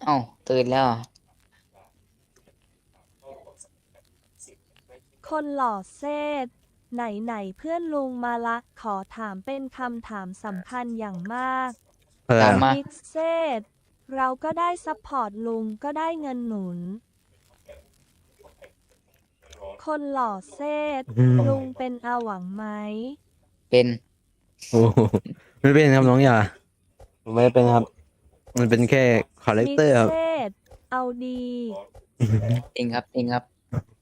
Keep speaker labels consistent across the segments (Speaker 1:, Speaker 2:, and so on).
Speaker 1: เอ้าตื่นแล้วเหรอ
Speaker 2: คนหล่อเซธไหนเพื่อนลุงมาละขอถามเป็นคำถามสำคัญอย่างมาก
Speaker 3: อะไร
Speaker 1: ตามมา
Speaker 2: มิกเซธเราก็ได้ซัพพอร์ตลุงก็ได้เงินหนุน คนหล่อเซธลุงเป็นอาหวังไหม
Speaker 1: เป็น
Speaker 3: โอ้โหไม่เป็นครับน้องอย่าผมไม่ได้เป็นครับมันเป็นแค่คาแรค
Speaker 2: มิก
Speaker 3: เตอร์ครั
Speaker 2: เซ
Speaker 3: บ
Speaker 2: ธเอาดี
Speaker 1: จริงครับจริงครับ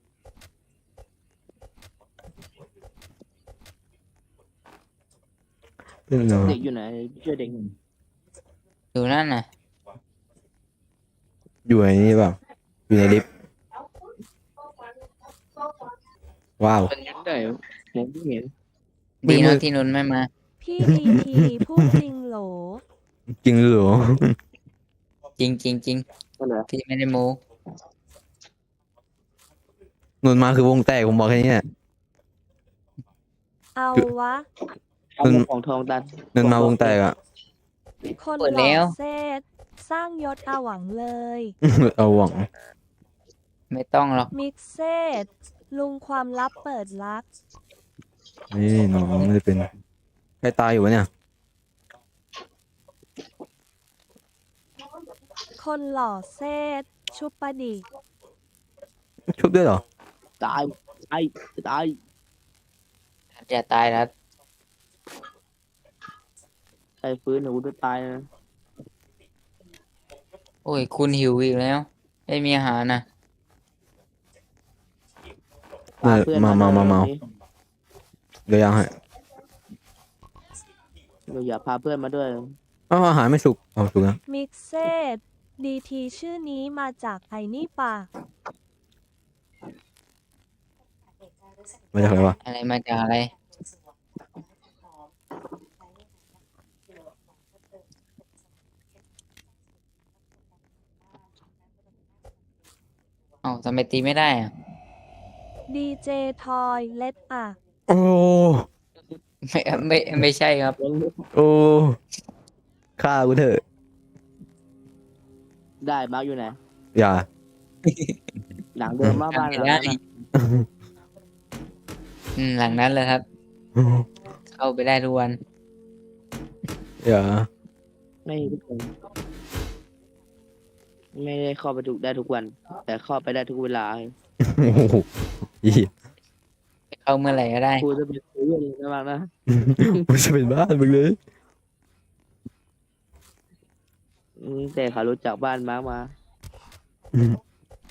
Speaker 3: เป็นเนาะ
Speaker 4: เด็กอยู่ไหนช่วยเด็กหน่อย
Speaker 1: อยู่นั่นน่ะ
Speaker 3: อยู่ในนี้เปล่าอยู่ในลิฟต์ว้าว
Speaker 4: มันยุ่งได้เหรอมองไม่เห็น
Speaker 1: ดี
Speaker 3: มื
Speaker 1: นะ
Speaker 3: ด
Speaker 1: ที่นุนไม่มา
Speaker 2: พี่ดีทีพูดจริงโหล
Speaker 3: จริงเหรอ
Speaker 1: จริงจริงจริง
Speaker 4: ก็เหรอ
Speaker 1: พี่ไม่ได้โม้
Speaker 3: นนมาคือวงแตกผมบอกแค่นี้แหละ
Speaker 2: เอาวะ
Speaker 4: เอาหมวกของทองตัน
Speaker 3: นนมาวงแตกอ่ะ
Speaker 2: คนหล่อเซธสร้างยศอาหวังเลย
Speaker 3: เอาหวัง
Speaker 1: ไม่ต้องหรอก
Speaker 2: มิกเซธลุงความลับเปิดลัก
Speaker 3: นี่น้องไม่ได้เป็นใครตายอยู่วะเนี่ย
Speaker 2: คนหล่อเซธชุบปะดิ
Speaker 3: ชุบด้วยเหรอ
Speaker 4: ตายตาย
Speaker 1: จะตายแล้ว
Speaker 4: ใครฟื้นหนูจะตายนะ
Speaker 1: โอ้ยคุณหิวอีกแล้วไม่มีอาหารนะ
Speaker 4: พาเพื่อน
Speaker 3: มา
Speaker 4: มา
Speaker 3: เมา
Speaker 4: ด้วย
Speaker 3: เดี๋ยวยังให้
Speaker 4: เราอย่าพาเพื่อนมาด้วย
Speaker 3: อ้าวอาหารไม่สุกเอาสุกแล้ว
Speaker 2: มิกเซธดีทีชื่อนี้มาจากไอ้นี่ปะ
Speaker 3: มาจากอะไรวะ
Speaker 1: อะไรมาจากอะไรเอ้าทำไมตีไม่ได้อะ
Speaker 2: ดีเจทอยเล็ดอะ
Speaker 3: โอ้
Speaker 1: ไม่ใช่ครับ
Speaker 3: โอ้ฆ่ากูเถอะ
Speaker 4: ได้มาร์กอยู่ไหน
Speaker 3: อย่า
Speaker 4: หลังเดิมมาบ้าน
Speaker 1: ไม่
Speaker 4: หลัง
Speaker 1: ได้
Speaker 4: นั้นน่ะ
Speaker 1: หลังนั้นเลยครับ เข้าไปได้ทุกวัน
Speaker 3: อย่า
Speaker 4: ไม่ทุกคนไม่ได้เข้าไปได้ทุกวัน แต่เข้าไปได้ทุกเวลา
Speaker 3: โอ้โหอี
Speaker 1: เข้าเมื่อไหร่ก็ได้
Speaker 4: ครูจะเป็นครูเรื่องนี้นะบ้างนะ
Speaker 3: มันจะเป็นบ้านมึงเลย
Speaker 4: แต่เขารู้จักบ้านมาร์กมา
Speaker 3: อืม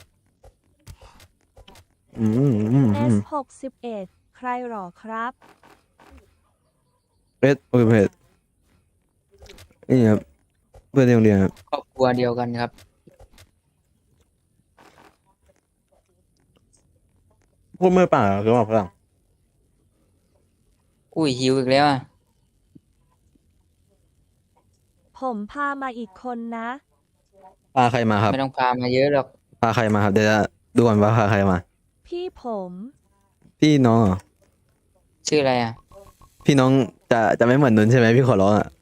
Speaker 3: อืมอืม
Speaker 2: เอ
Speaker 3: อื
Speaker 2: ส
Speaker 3: ม
Speaker 2: 61ใครหรอครับ
Speaker 3: เพชรโอเคเพชรนี่ครับเพื่อนในโรงเรียนครับ
Speaker 1: ครอบครัวเดียวกันครับ
Speaker 3: พวกเมื่อป่าหรือเปล่าฝรั่ง
Speaker 1: อุ้ยหิวอีกแล้วอ่ะ
Speaker 2: ผมพามาอีกคนนะ
Speaker 3: พาใครมาครับ
Speaker 1: ไม่ต้องพามาเยอะหรอก
Speaker 3: พาใครมาครับเดี๋ยวจะดูก่อนว่าพาใครมา
Speaker 2: พี่ผม
Speaker 3: พี่น้องเหรอ
Speaker 1: ชื่ออะไรอ่ะ
Speaker 3: พี่น้องจะไม่เหมือนนนท์ใช่ไหมพี่ขอร้องอ่ะ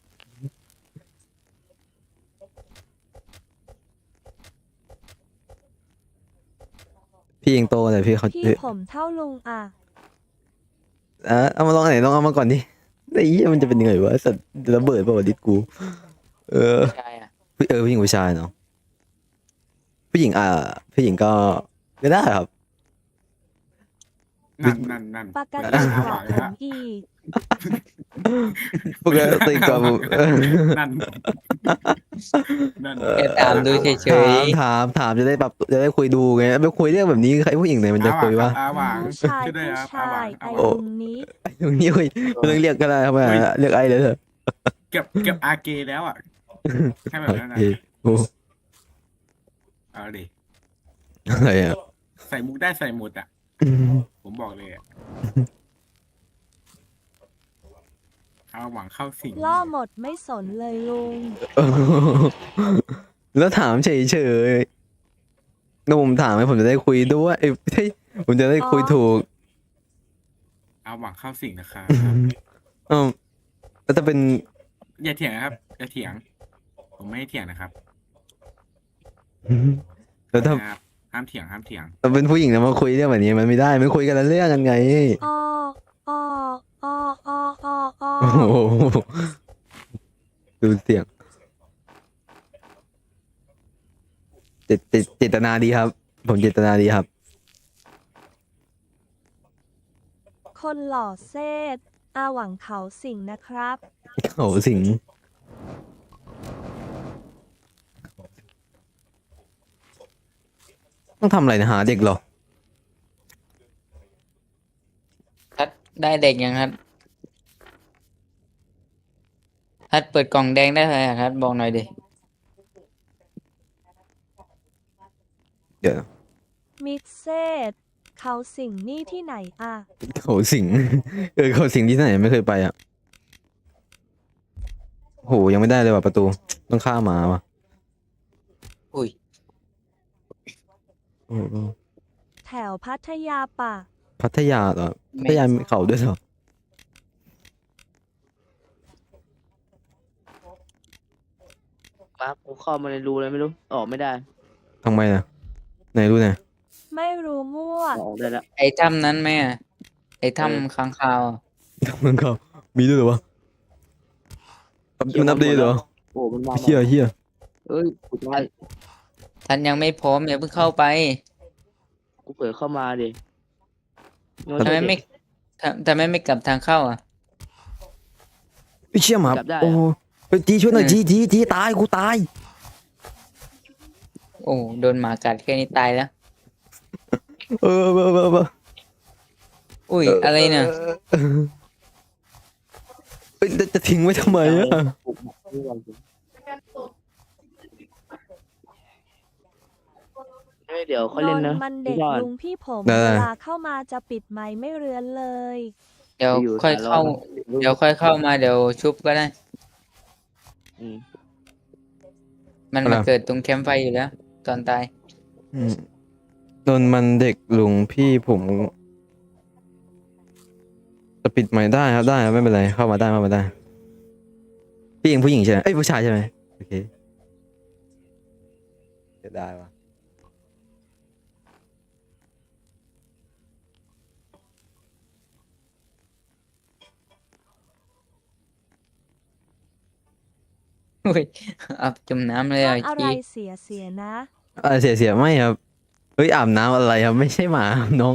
Speaker 3: พี่ยังโตแต่พี่เขา
Speaker 2: พี่ผมเท่าลุงอะ
Speaker 3: เอามาลองไหนลองเอามาก่อนดิไอ้เหี้ยมันจะเป็นยังไงวะสัตว์ระเบิดเปล่าวะดิสกูเออ
Speaker 1: ใช่อ่ะ
Speaker 3: ผู้หญิงผู้ชายเนาะผู้หญิงผู้หญิงก็ได้ครับ
Speaker 5: นั่น
Speaker 2: ปกติ
Speaker 5: เอา
Speaker 2: กว่า
Speaker 5: หวัง
Speaker 2: ผ
Speaker 5: แล้
Speaker 2: ม
Speaker 5: ว
Speaker 2: อีก
Speaker 3: ปกติกว่าผม
Speaker 5: นั่นนั่น
Speaker 1: แค่ถามดูเฉย
Speaker 3: ถามจะได้แบบจะได้คุยดูไงไปคุยเรื่องแบบนี้ใครผู้หญิงไหนมันจะคุยวะ
Speaker 5: อาหวัง
Speaker 2: ผู้ชาย
Speaker 5: ช่วยด้วย
Speaker 2: ผู้
Speaker 5: ครับอาหวั
Speaker 2: ชาง ย
Speaker 5: อา
Speaker 2: ไอ้
Speaker 5: หวัง
Speaker 2: ลุงนี้
Speaker 3: ตรงนี้คุยไม่ต้องเรียกก็ได้ครับเรียกไอ้เลยเถอะ
Speaker 5: เก็บอาเกแล้วอ่ะให้แบบนั้น
Speaker 3: โอ
Speaker 5: นะ
Speaker 3: เคโอ้
Speaker 5: เอาดิ
Speaker 3: อะไรอ่ะ
Speaker 5: ใส่มุกได้ใส่หมดอ่ะ ผมบอกเลยอะเอาหวังเข้าสิง
Speaker 2: ล่อหมดไม่สนเลยลุง
Speaker 3: แล้วถามเฉยๆแล้วผมถามให้ผมจะได้คุยด้วยผมจะได้คุยถูก
Speaker 5: เอาหวังเข้าสิงนะครับ
Speaker 3: อ้าวแล้วถ้าเป็น
Speaker 5: อย่าเถียงนะครับอย่าเถียง ผมไม่ให้เถียงนะครับ
Speaker 3: แล้วถ้า
Speaker 5: ครับห้ามเถียงห้ามเถียง
Speaker 3: เราเป็นผู้หญิงแล้วมาคุยเรื่องแบบนี้มันไม่ได้มันคุยกันแล้วเรื่องกันไง
Speaker 2: อ้ออ้ออ้ออ้ออ้ออ้อ
Speaker 3: โอ้โหดูเสียงเจตนาดีครับ ผมเจตนาดีครับ
Speaker 2: คนหล่อเซธอาหวังเขาสิงนะครับ
Speaker 3: โอ้โหสิงต้องทำอะไรนะหาเด็กเหรอ
Speaker 1: ทัดได้เด็กยังครับทัดเปิดกล่องแดงได้เลยอะทัดบอกหน่อยดิ
Speaker 3: เดี๋ยว
Speaker 2: มิกเซธเขาสิงนี่ที่ไหนอ่ะ
Speaker 3: เขาสิง เขาสิงที่ไหนไม่เคยไปอ่ะโหยังไม่ได้เลยว่ะประตู ต้องข้ามมาว่ะ
Speaker 1: อุ้ย
Speaker 3: โอ้โห
Speaker 2: แถวพัทยาป่ะ
Speaker 3: พัทยาเหรอพัทยามีเขาด้วยเหรอ
Speaker 4: ปั๊บกูเข้ามาในรูเลยไม่รู้ออกไม่ได้
Speaker 3: ทำไมนะไหนรู้นะ
Speaker 2: ไม่รู้มั่ว
Speaker 4: ออกได้แล้ว
Speaker 1: ไอ้ถ้ำนั้นไหมอะไอ้ถ้ำค้างคาวอะ
Speaker 3: ทำมันเขามีด้วยเหรอวะมันอัปเดตเหรอ
Speaker 4: โอ้มันมา
Speaker 3: เฮียเฮีย
Speaker 4: เอ้ยกูตาย
Speaker 1: ท่านยังไม่พร้อมอย่าเพิ่งเข้าไป
Speaker 4: กูเผลอเข้ามาดิ
Speaker 1: ทำไมไม่ทำไมไม่กลับทางเข้าอ่ะ
Speaker 3: พี่เชี่ยหมา
Speaker 4: จับได้
Speaker 3: โอ้
Speaker 4: เหรอ
Speaker 3: ไปจีช่วยหน่อยจีตายกูตาย
Speaker 1: โอ้โดนหมากัดแค่นี้ตายแล้ว
Speaker 3: เออ
Speaker 1: อุ้ยอะไรเนี่ย
Speaker 3: เอ้ยจะทิ้งไว้ทำไมอ่ะ
Speaker 4: เฮ้ยเดี๋ยวเขา
Speaker 2: น
Speaker 4: เล่น
Speaker 2: น
Speaker 4: นะ
Speaker 2: ท์มันเด็ก
Speaker 4: ก่อน
Speaker 2: ลุงพี่ผม
Speaker 3: ได้
Speaker 2: เวลาเข้ามาจะปิดไมค์ไม่เรือนเลย
Speaker 1: เดี๋ยว
Speaker 4: อยู่
Speaker 1: ค่อย
Speaker 4: สาร
Speaker 1: เข้า
Speaker 4: รอนะ
Speaker 1: เดี๋ยวค่อยเข้ามาเดี๋ยวชุบก็ได้
Speaker 4: อืม
Speaker 1: มันมาเกิดตรงแคมป์ไฟอยู่แล้ว ตอนตาย
Speaker 3: อืมโดนมันเด็กลุงพี่ผมจะปิดไมค์ได้ครับได้ครับไม่เป็นไรเข้ามาได้พี่เองผู้หญิงใช่ไหมเอ้ยผู้ชายใช่ไหมโอเคจะได้วะ
Speaker 1: อุ้ยอับจมน้ำเลย
Speaker 2: ถ้า
Speaker 1: อ่ะ
Speaker 2: อะไร
Speaker 1: ชี้
Speaker 2: เสียนะ
Speaker 3: เสียไม่ครับเฮ้ยอาบน้ำอะไรครับไม่ใช่หมาครับน้อง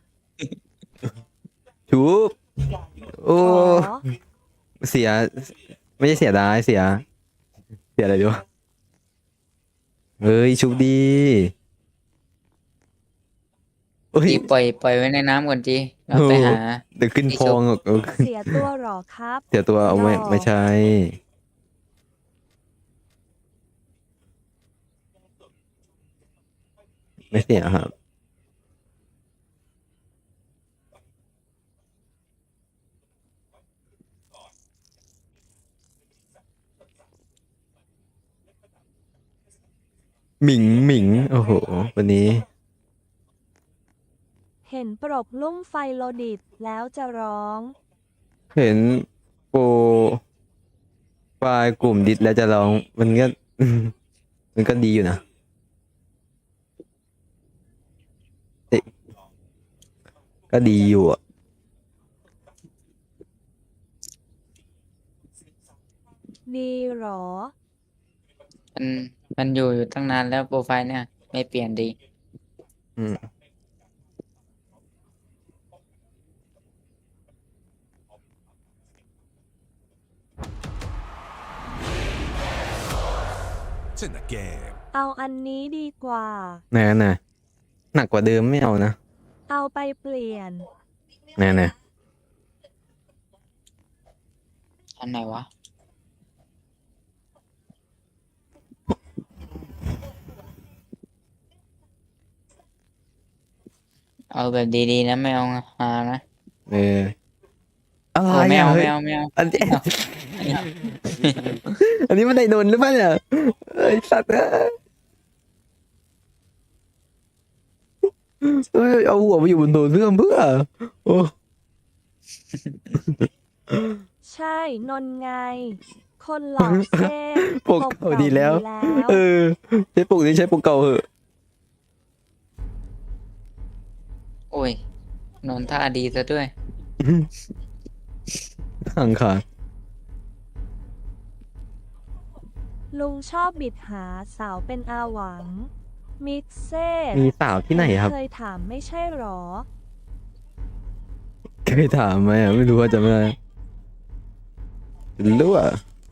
Speaker 3: ชูบโอ้
Speaker 2: อ๋อ
Speaker 3: เสีย ไม่ใช่เสียดายเสียอะไรดีวะเฮ้ยชุบดีเฮ้ย
Speaker 1: จีปล่อยไว้ในน้ำก่อนจีเราไปหา
Speaker 3: เดี๋ยวขึ้นพองอ่ะ
Speaker 2: เสียตัวหรอครับ
Speaker 3: เสียตัวเอาไม่
Speaker 2: หรอ
Speaker 3: ไม่ใช่ ไม่เสียครับหมิงโอ้โหวันนี้
Speaker 2: เห็นปรกลุ่มไฟโลดิตแล้วจะร้อง
Speaker 3: เห็นโปรไฟล์กลุ่มดิสแล้วจะร้องมันก็ มันก็ดีอยู่นะเอ๊ะก็ดีอยู่อ่ะ
Speaker 2: ดีหรอ
Speaker 1: มันมันอยู่ตั้งนานแล้วโปรไฟล์เนี่ย ไม่เปลี่ยนดี
Speaker 3: อืม
Speaker 6: It's in the game.
Speaker 2: เอาอันนี้ดีกว่า
Speaker 3: ไหนหนักกว่าเดิมไม่เอานะ
Speaker 2: เอาไปเปลี่ยน
Speaker 3: ไหน
Speaker 1: อันไหนวะ เอาแบบดีๆนะไม่เอาหานะ
Speaker 3: เอออะไร
Speaker 1: โอ้ไม่
Speaker 3: อ่ะ
Speaker 1: เอา
Speaker 3: เฮ้
Speaker 1: ไม่
Speaker 3: ย
Speaker 1: เอาไม่เอา
Speaker 3: อันนี้ อันนี้มันไดโนนหรือเปล่าเนี่ยไอ้สัตว์เอ้ยเอาหัวมาอยู่บนโถส้วมเพื่อโอ้
Speaker 2: ใช่นนไง คนหล่อเซ่
Speaker 3: ปกเก่าดีแล้ว เออใช้ปกนี้ใช้ปกเก่าเหอะ
Speaker 1: โอ้ยนอนท่าดีซะด้วย
Speaker 3: ห่างขาด
Speaker 2: ลุงชอบบิดหาสาวเป็นอาหวัง มิกเซ่
Speaker 3: มีสาวที่ไหนครับ
Speaker 2: เคยถามไม่ใช่หรอ
Speaker 3: เคยถามไหมอ่ะไม่รู้ว่าจะไม่ได้รู้อ่ะ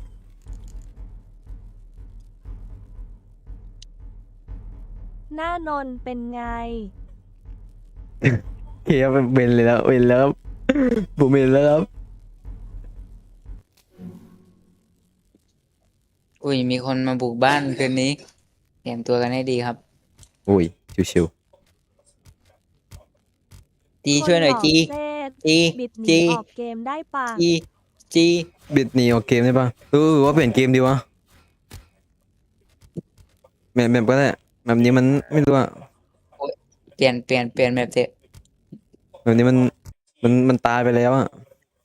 Speaker 2: หน้านนเป็นไง
Speaker 3: เคครับเบนเลยแล้วเบนแล้วครับผมเบนแล้วครับ
Speaker 1: อุ้ยมีคนมาบุกบ้านคืนนี้เตรียมตัวกันให้ดีครับ
Speaker 3: โอ้ยชิว
Speaker 1: จีช่วยหน่อยจี
Speaker 2: คนหล่อเซ่
Speaker 1: จี
Speaker 2: บิดหนี
Speaker 1: จี
Speaker 2: ออกเกมได้ปะ
Speaker 1: จีจี
Speaker 3: ๆบิดหนีออกเกมได้ปะว่าเปลี่ยนเกมดีวะแบบก็ได้แบบนี้มันไม่รู้อ่ะ
Speaker 1: เปลี่ยนแบบเถอะ
Speaker 3: แบบนี้มันตายไปแล้วอ่ะ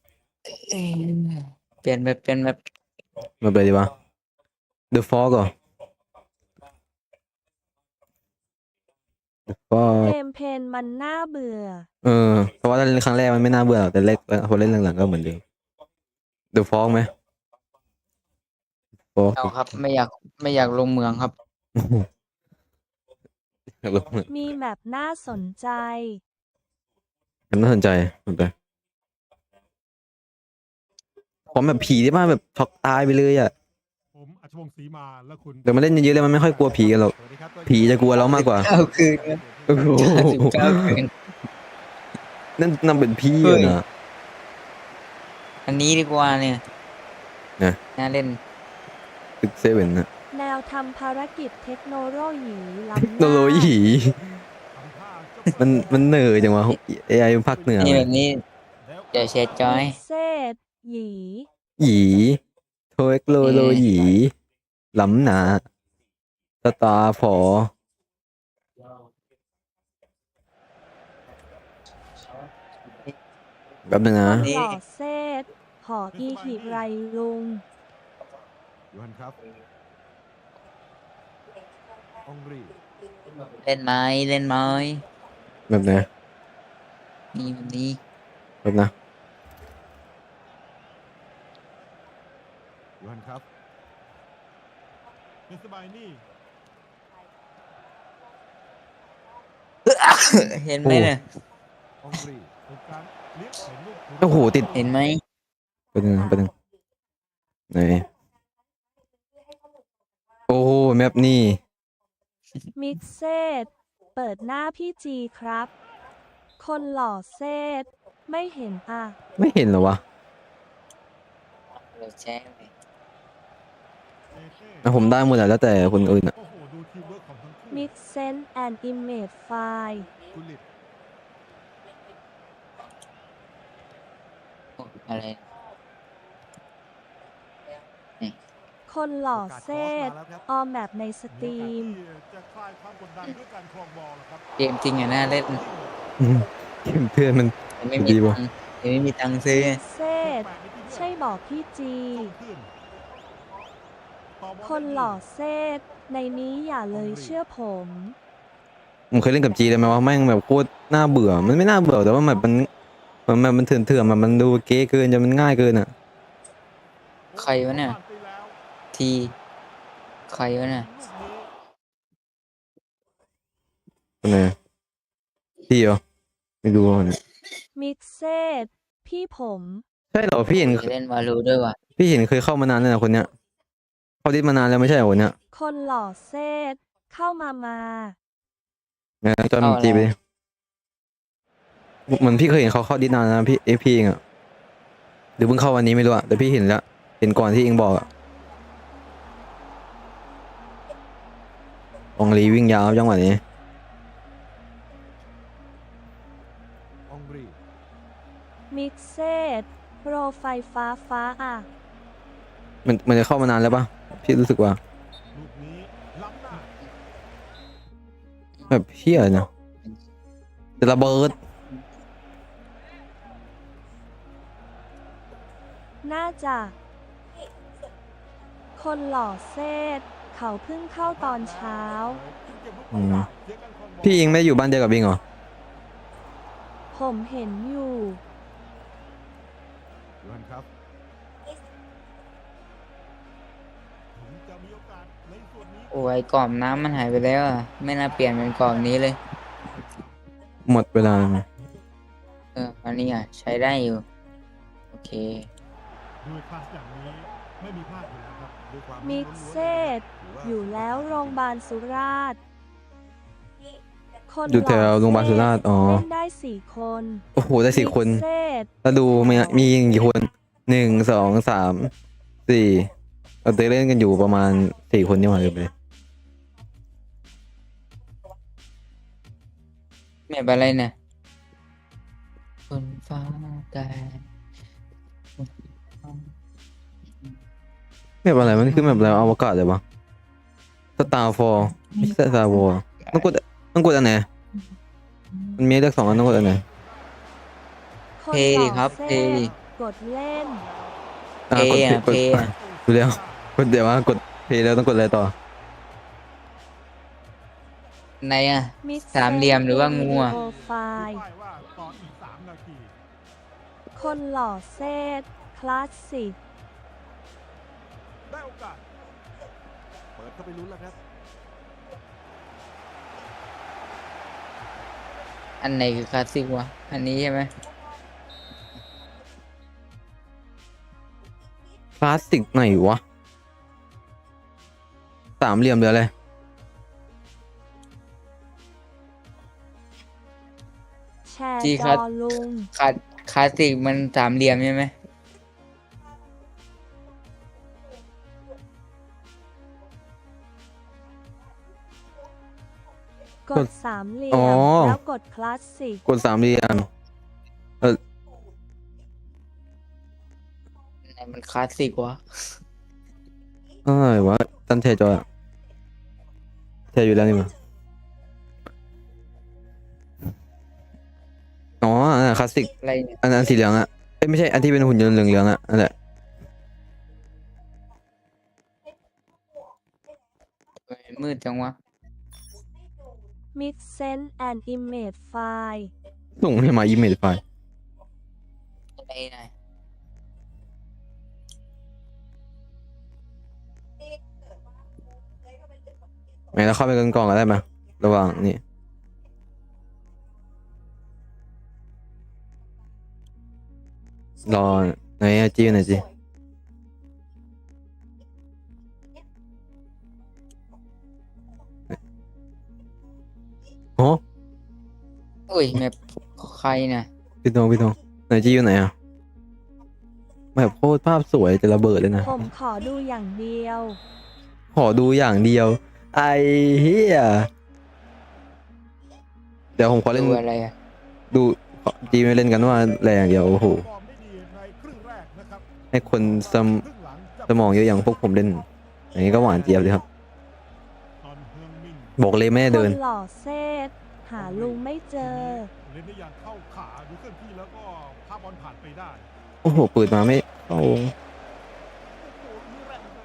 Speaker 1: เปลี่ยนแบบ
Speaker 3: แบบอะไรดีวะ The Fog เหรอ The Fog
Speaker 2: เกมเพนมันน่าเบื่อ
Speaker 3: เพราะว่าถ้าเล่นครั้งแรกมันไม่น่าเบื่อหรอกแต่เล็กพอเล่นหลังๆก็เหมือนเดิม The Fog ไหม Fog
Speaker 1: เอาครับไม่อยากลงเมืองครับ
Speaker 2: มีแมปน่าสนใจ
Speaker 3: มันน่าสนใจมันไปผมแบบผีที่บ้านแบบช็อกตายไปเลยอ่ะ
Speaker 6: ผมอัชวงศ์ศรีมาและคุณ
Speaker 3: แต่มาเล่นเยอะๆเลยมันไม่ค่อยกลัวผีกันหรอก
Speaker 6: สวัสดีครับ
Speaker 3: ผีจะกลัวเรามากกว่า
Speaker 1: เอาคืน
Speaker 3: โอ้โห
Speaker 1: 99คืน
Speaker 3: นั่นเป็นพี่
Speaker 1: เฮ้ย
Speaker 3: นะ
Speaker 1: อันนี้ดีกว่าเนี่ย
Speaker 3: นะ
Speaker 1: น่าเล่น
Speaker 3: ตึกเซเว่นนะ
Speaker 2: แนวทำภารกิจเทคโนโลยีล้ำห
Speaker 3: โน
Speaker 2: น้า
Speaker 3: โลยีมันเหนื่อยจังวะ AI ภาคเหนือ
Speaker 1: นี่แบบนี้เดี๋ยวแชร์จอย
Speaker 2: มิกเซตหยี
Speaker 3: หยีเทคโนโลยีล้ำหนาสตาร์ฟอแบบนึงนะ
Speaker 1: นี่
Speaker 2: หล่อเซตหออีหิไรลุง
Speaker 6: ยูฮันครับองรี
Speaker 1: เล่นไหม
Speaker 3: แบบไหน
Speaker 1: นี่แบบนี้
Speaker 3: แบบนะ
Speaker 6: ยูฮันครับเป็นสบายนี่
Speaker 1: เห็นไหมเนี่ย
Speaker 6: องรีเป็นการเลี้ยงเห็นลูก
Speaker 3: โอ้โหติด
Speaker 1: เห็นไหม
Speaker 3: ไปหนึ่งไหนโอ้โหแมปนี่
Speaker 2: มิกเซตเปิดหน้าพี่จีครับ คนหล่อเซตไม่เห็นอ่ะ
Speaker 3: ไม่เห็นเหรอวะ
Speaker 1: เราแชร์ไป
Speaker 3: ผมได้หมดแล้วแต่คนอื่นอ่ะ
Speaker 6: โอ้โหดูทีมเวิร์กของทั้งคู่
Speaker 2: มิกเซนแอนด์อิมเมจไฟล์
Speaker 6: กุลิต
Speaker 1: โอ้อะไร
Speaker 2: คนหล่อ
Speaker 6: โอกาส
Speaker 2: เซ ต
Speaker 6: คอสมาแล้วครับ
Speaker 2: ออมแบบในสตรีม
Speaker 6: โอกาสที่จะคลายความกดดันด้วยการครองบอลนะครับ
Speaker 1: เกมจริงอ่ะน่าเล่น
Speaker 3: เกมเพื่อนมัน
Speaker 1: แต่ไม่มี
Speaker 3: ดี
Speaker 1: ตั
Speaker 3: ว่ะ
Speaker 1: งค์แต่ไม่มีตังค์ซื้อ
Speaker 2: มิกเซตใช่บอกพี่จี คนหล่อเซตในนี้อย่าเลยเชื่อผม
Speaker 3: ผมเคยเล่นกับจีเลยไหมว่าแม่งแบบโคตรน่าเบื่อ มันไม่น่าเบื่อแต่ว่าแบบมันเถื่อนมันดูเก๊เกินจนมันง่ายเกินอ่ะ
Speaker 1: ใครวะเนี่ยทีใครวะเนี่ย
Speaker 3: เป็นไงพี่เหรอไม่รู้ว่าเนี่ย
Speaker 2: มิกเซตพี่ผม
Speaker 3: ใช่เหรอพี่เห็น
Speaker 1: เล่นวาลูด้วยว่ะ
Speaker 3: พี่เห็นเคยเข้ามานานแล้วนะคนเนี้ยเข้าดิสมานานแล้วไม่ใช่เหรอคนเนี้ย
Speaker 2: คนหล่อเซตเข้ามา
Speaker 3: งั้นจอยมันจีไปดิเหมือนพี่เคยเห็นเขาเข้าดิสนานแล้วนะพี่เองอ่ะหรือเพิ่งเข้าวันนี้ไม่รู้อ่ะแต่พี่เห็นแล้วเห็นก่อนที่เองบอกอ่ะองลีวิ่งยาวจังหวะนี้
Speaker 6: องรี
Speaker 2: มิกเซตโปรไฟล์ฟ้าอ่ะ
Speaker 3: มันจะเข้ามานานแล้วปะพี่รู้สึกว่า
Speaker 6: ลูกนี้ล้ำหน้า
Speaker 3: แบบเพี้ยนะจะระเบิด
Speaker 2: หน่าจะ คนหล่อเซตเขาเพิ่งเข้าตอนเช้า
Speaker 3: อืมพี่อิงไม่ได้อยู่บ้านเดียวกับบิงเหรอ
Speaker 2: ผมเห็นอยู่
Speaker 6: ยวนครับถึงจะมีโอกาสในส่วนนี้
Speaker 1: โอ้ยกรอบน้ำมันหายไปแล้วอ่ะ ไม่น่าเปลี่ยนเป็นกรอบนี้เลย
Speaker 3: หมดเวลาแล้วไหม
Speaker 1: อันนี้อ่ะใช้ได้อยู่ โอเค
Speaker 6: ด้วยคลาสอย่างนี้ไม่มีพลาดอยู่แล้วครับด้วยความ
Speaker 2: มิกเซตอยู่แล้วโรงพยาบาลสุราษฎร์คน
Speaker 3: อยู่แถวโรงพยาบาลสุราษฎร์อ๋อ
Speaker 2: เล่นได้4 คน
Speaker 3: โอ้โหได้4 คน
Speaker 2: มิกเซต
Speaker 3: แล้วดูมีกี่คน1 2 3 4เราเล่นกันอยู่ประมาณ4 คนนี่หว่าเลยไป
Speaker 1: แมปอะไรเนี่ยคนฟ้าแดง
Speaker 3: แบบอะไรมันคือแบบอะไรอวกาศเลยวะสตาร์ฟอร์ไม่ใช่สตาร์วอร์ต้องกดอันไหนมันมีเลือก2 อันต้องกดอันไหน
Speaker 2: คน
Speaker 1: เพ
Speaker 2: ห
Speaker 1: ดิ
Speaker 2: ล่อ
Speaker 1: ครับ
Speaker 2: เซ
Speaker 1: เพ
Speaker 2: ต
Speaker 1: ดิ
Speaker 2: กดเล่น
Speaker 1: เพย์อ่ะ
Speaker 3: กด
Speaker 1: เพย์อ่ะ
Speaker 3: ดูแล้วกดเดี๋ยวว่ากดเพย์แล้วต้องกดอะไรต่อ
Speaker 1: ในอ่ะ
Speaker 2: มิกซต
Speaker 1: สามเหลี่ยมหรือว่างูอะ
Speaker 2: วิดีโอไฟล์
Speaker 6: ป้ายว่าต่ออีก3 นาที
Speaker 2: คนหล่อเซตคลาสสิก
Speaker 6: ได้โอกาส เปิดเข้าไปลุ้นแล้วครับ
Speaker 1: อันไหนคือคลาสสิกวะ อันนี้ใช่ไหม
Speaker 3: คลาสสิกไหนวะ3 เหลี่ยมหรืออะไร
Speaker 2: แชร์
Speaker 1: จี
Speaker 2: จ
Speaker 1: ครั
Speaker 2: อบ ลุง
Speaker 1: คลาสสิกมันสามเหลี่ยมใช่ไหม
Speaker 2: กด3 เหลี่ย
Speaker 3: อ๋อ
Speaker 2: ม แล้วกดคลาสสิก
Speaker 3: กด3 เหลี่ยม
Speaker 1: ไหนมันคลาสสิกวะ
Speaker 3: อะไรวะตั้นแชร์จออะแชร์อยู่แล้วนี่มั้งอ๋ออันนั้นคลาสสิก
Speaker 1: อะไรเนี่ย
Speaker 3: อันสีเหลืองอะเอ้ยไม่ใช่อันที่เป็นหุ่นยนต์เหลืองๆอะนั่นแหละ
Speaker 1: ทำไมมืดจังวะ
Speaker 2: Mix Sense and Image File
Speaker 3: ส่งให้มาอีเมลไฟล์
Speaker 1: อะไรไหนอย
Speaker 3: ไหนเราเข้าไปกันกล่องกันได้ไหมระหว่างนี่รอไหนอะจีไหนจีโอ้
Speaker 1: อุ้ยแมปใครน่ะ
Speaker 3: พี่ทองไหนจีอยู่ไหนอะแบบโคตรภาพสวยจะระเบิดเลยนะ
Speaker 2: ผมขอดูอย่างเดียว
Speaker 3: ขอดูอย่างเดียว ไอ้เหี้ยเดี๋ยวผมขอเล่น
Speaker 1: ดูอะไรอ่ะ
Speaker 3: ดูจีไม่เล่นกันว่าแรงอย่างเดียวโอ้โห
Speaker 6: ฟอร์มได้ดีในครึ่งแรกนะครับ
Speaker 3: ให้คน
Speaker 6: ครึ่งหลังจะ
Speaker 3: สมองเยอะอย่างพวกผมเล่นอย่างนี้ก็หวานเจี๊ยบเลยครับ
Speaker 6: ตอนเฮืองมิน
Speaker 3: บอกเลยไม่ได้
Speaker 2: ค
Speaker 3: เดิน
Speaker 2: นหล่อเซตหาลุงไม่เจอ
Speaker 6: เล่นได้อย่างเข้าขาดูเคลื่อนที่แล้วก็พาบอลผ่านไปได้
Speaker 3: โอ้โหเปิดมาไม่เข้า
Speaker 6: โอ้โหนี่แรงเกิน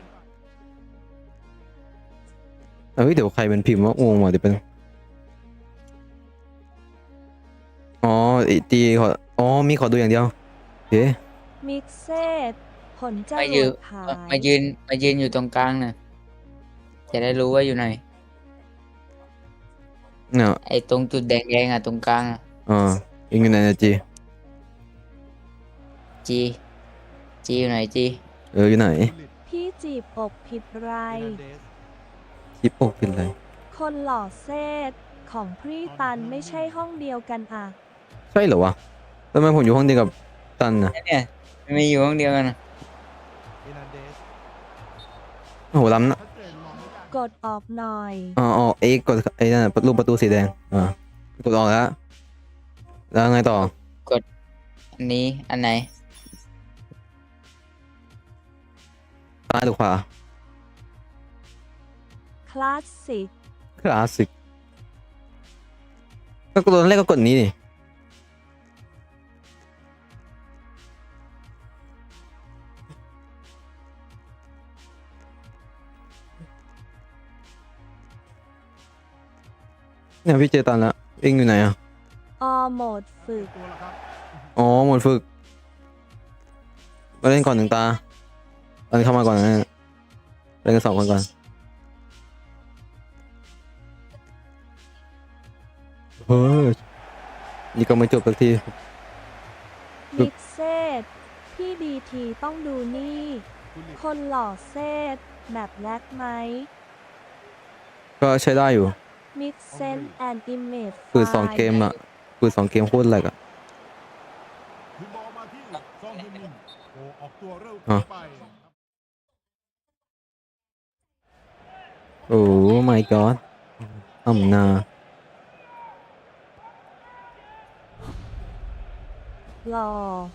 Speaker 6: ไป
Speaker 3: เฮ้ยเดี๋ยวใครเป็นพิมพ์ว่างงว่ะเดี๋ยวเป็นอ๋อไอ้จีขออ๋อมีขอดูอย่างเดียวเฮ้
Speaker 2: Mix เซตผลจ
Speaker 1: มาร ยื
Speaker 2: วน ดขาย
Speaker 1: มายืนอยู่ตรงกลางน่ะ จะได้รู้ว่าอยู่ไหน
Speaker 3: เนี่ย
Speaker 1: ไอ้ตรงจุดแดงๆอ่ะตรงกลางอ่ะ
Speaker 3: อ่ายิงอยู่ไหนนะจี
Speaker 1: จีอยู่ไหนจี
Speaker 3: อยู่ไหน
Speaker 2: พี่จีบอกผิดไร
Speaker 3: คลิปอกเป็นไร
Speaker 2: คนหล่อเซตของพรีตันไม่ใช่ห้องเดียวกันอ่ะ
Speaker 3: ใช่เหรอวะทำไมผมอยู่ห้องเดียวกับตันนะ
Speaker 1: เนี่ยมันไม่อยู่ห้องเดียวกันนะ
Speaker 3: โอ้โหล้ำนะ
Speaker 6: ชัดเจนมองไม่ได้
Speaker 2: กดออกหน่อย
Speaker 3: อ๋อเอ็กกดไอ้นั่นนะรูปประตูสีแดงกดออกแล้วแล้วไงต่อ
Speaker 1: อันนี้อันไหน
Speaker 3: ซ้ายหรือขวา
Speaker 2: คลาสสิก
Speaker 3: คลาสสิกก็ตอนแรกก็กดนี้นี่เนี่ยพี่เจอตันแล้วเองอยู่ไหนอ่ะ
Speaker 2: ออโหมดฝึก
Speaker 6: ตัวละครับ
Speaker 3: อ๋อหมดฝึกมาเล่นก่อนหนึ่งตาตอนเข้ามาก่อนนะเล่นกัน2 คนก่อนเฮ้ยนี่ก็ไม่จบสักที
Speaker 2: มิกเซตพี่ดีทีต้องดูนี่
Speaker 6: คุณลิ
Speaker 2: คนหล่อเซตแบบแรกไหม
Speaker 3: ก็ใช้ได้อยู่
Speaker 2: มิกเซนแอนด์อิมเมจ
Speaker 3: คือ2 เกมอะคือ2 เกมโคตรแหลกอะ
Speaker 6: คือบอลมาที่ซองฮึนมินโอ้ออกตัวเร็ว
Speaker 3: อ่ะ
Speaker 6: เกินไป
Speaker 3: โอ้ my god อ่ำนา
Speaker 2: หล่อ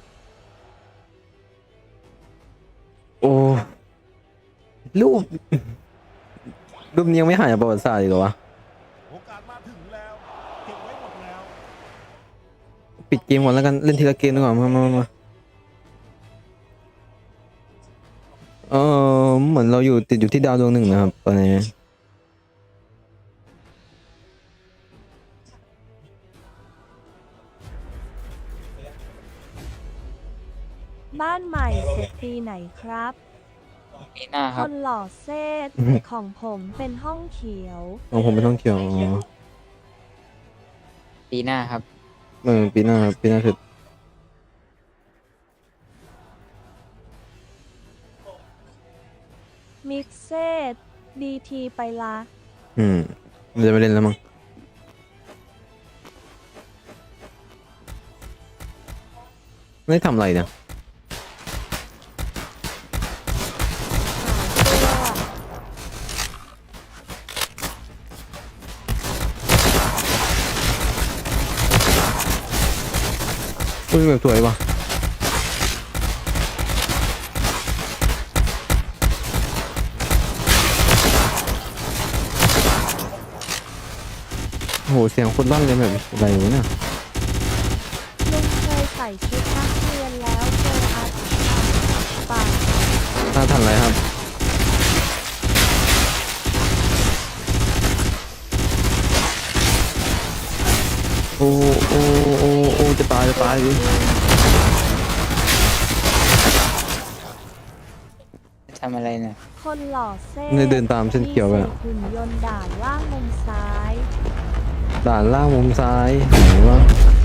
Speaker 3: โอ้รูปรูปนี้ยังไม่หายจากประวัติศาสตร์อีกเหรอวะ
Speaker 6: โอกาสมาถึงแล้วเก็บไว้หมดแล้ว
Speaker 3: ปิดเกมก่อนแล้วกันเล่นทีละเกมดีกว่ามาเหมือนเราติดอยู่ที่ดาวดวง 1นะครับตอนนี้
Speaker 2: บ้านใหม่เสร็จปีไหนครับ
Speaker 1: ปีหน้าค
Speaker 2: ครับ นหล่อเซตของผมเป็นห้องเขียว
Speaker 3: ของผมเป็นท่องเที่ยวอ๋อ
Speaker 1: ปีหน้าครับ
Speaker 3: ปีหน้าครับปีหน้าคือ
Speaker 2: มิกเซตดีทีไปละ
Speaker 3: มันจะไม่เล่นแล้วมั้งไม่ได้ทำอะไรเนี่ย อุ้ยแบบสวยว่ะโอ้โหเสียงคนลั่นเลยแบบอะไรวะเนี่ย
Speaker 2: ลุงเคยใส่ชุดนักเรียนแล้วเจออาถรรพ์ปาก
Speaker 3: น่าทันอะไรครับโอ้โอ้จะตายดิ
Speaker 1: ทำอะไรเนี่ย
Speaker 2: คนหล่อเซต
Speaker 3: เนี่ยเดินตามเส้นเขียวไปอะ
Speaker 2: หุ่นยนต์ด่านล่างมุมซ้าย
Speaker 3: ด่านล่างมุมซ้ายไหนวะ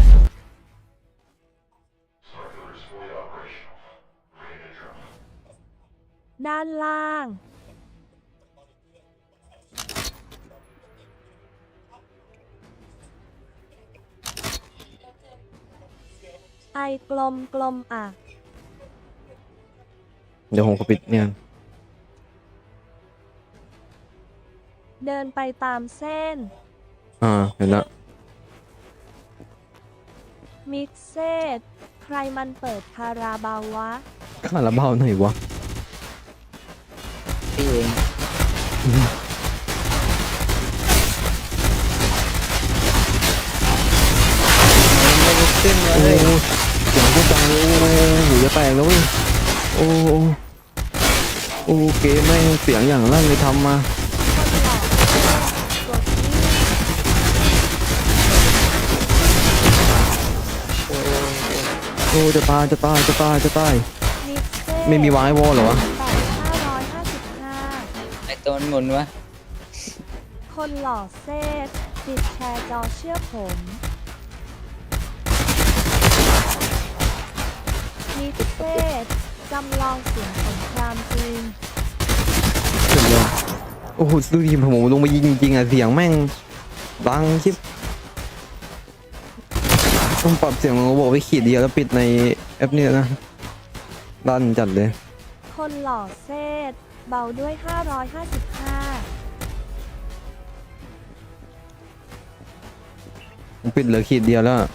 Speaker 2: ด้านล่าง ไอกลมกลมอ่ะ
Speaker 3: เดี๋ยวผมขอปิดเนี่ย
Speaker 2: เดินไปตามเส้น
Speaker 3: เห็นแล้ว
Speaker 2: มิกเซตใครมันเปิดคาราบาววะ
Speaker 3: คาราบาวหน่อยวะ
Speaker 1: พี่เอง ไม่ลุกขึ้นเล
Speaker 3: โอ้
Speaker 1: ย
Speaker 3: เสียงพูดดังเลยโอ้หูจะแตกแล้วเว้ยโอ้โอ้เกมแม่งเสียงอย่างลั่นเลยทำมา
Speaker 2: คนหล่อเซตกดนี่
Speaker 3: โอ้จะตาย
Speaker 2: มิกเซต
Speaker 3: ไม่มีวายวอลเหรอวะ
Speaker 2: 8,555
Speaker 1: ไอตัวมันหมุนวะ
Speaker 2: คนหล่อเซตติดแชร์จอเชื่อผม มิกเซตจำลองเสียงสงครามจริง
Speaker 3: สุดยอดโอ้โหดูดิผมลงมายิงจริงๆอ่ะเสียงแม่งดังชิบต้องปรับเสียงของระบบไปขีดเดียวแล้วปิดในแอปเนี่ยนะลั่นจัดเลย
Speaker 2: คนหล่อเซตเบาด้วย 555
Speaker 3: ผมปิดเหลือขีดเดียวแล้วอะ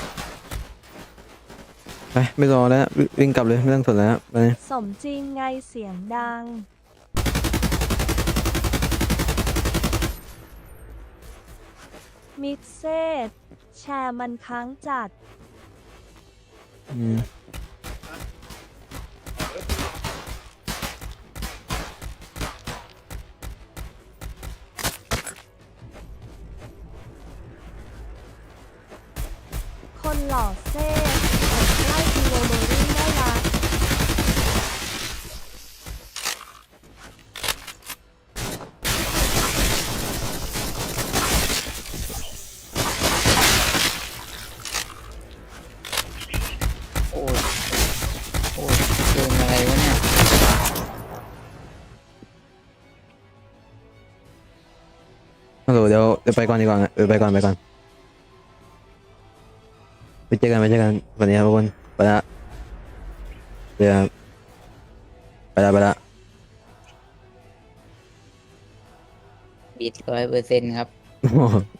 Speaker 3: ไปไม่รอแล้ววิ่งกลับเลยไม่ต้องสนแล้วไป
Speaker 2: สมจริงไงเสียงดัง มิกเซตแชร์มันค้างจัด
Speaker 3: อืม
Speaker 2: หล่อเซ่ไล่อีโวเบอรี่ได้ละ
Speaker 1: โอ้ยโอ้ยเกมอะไรวะเนี่ย
Speaker 3: ฮัลโหลเดี๋ยวไปก่อนดีกว่าไปก่อนไปเจอกันวันนี้ครับทุกคนไปละเดี๋ยวไปละ
Speaker 1: บิด100%ครับ
Speaker 3: โอ้โห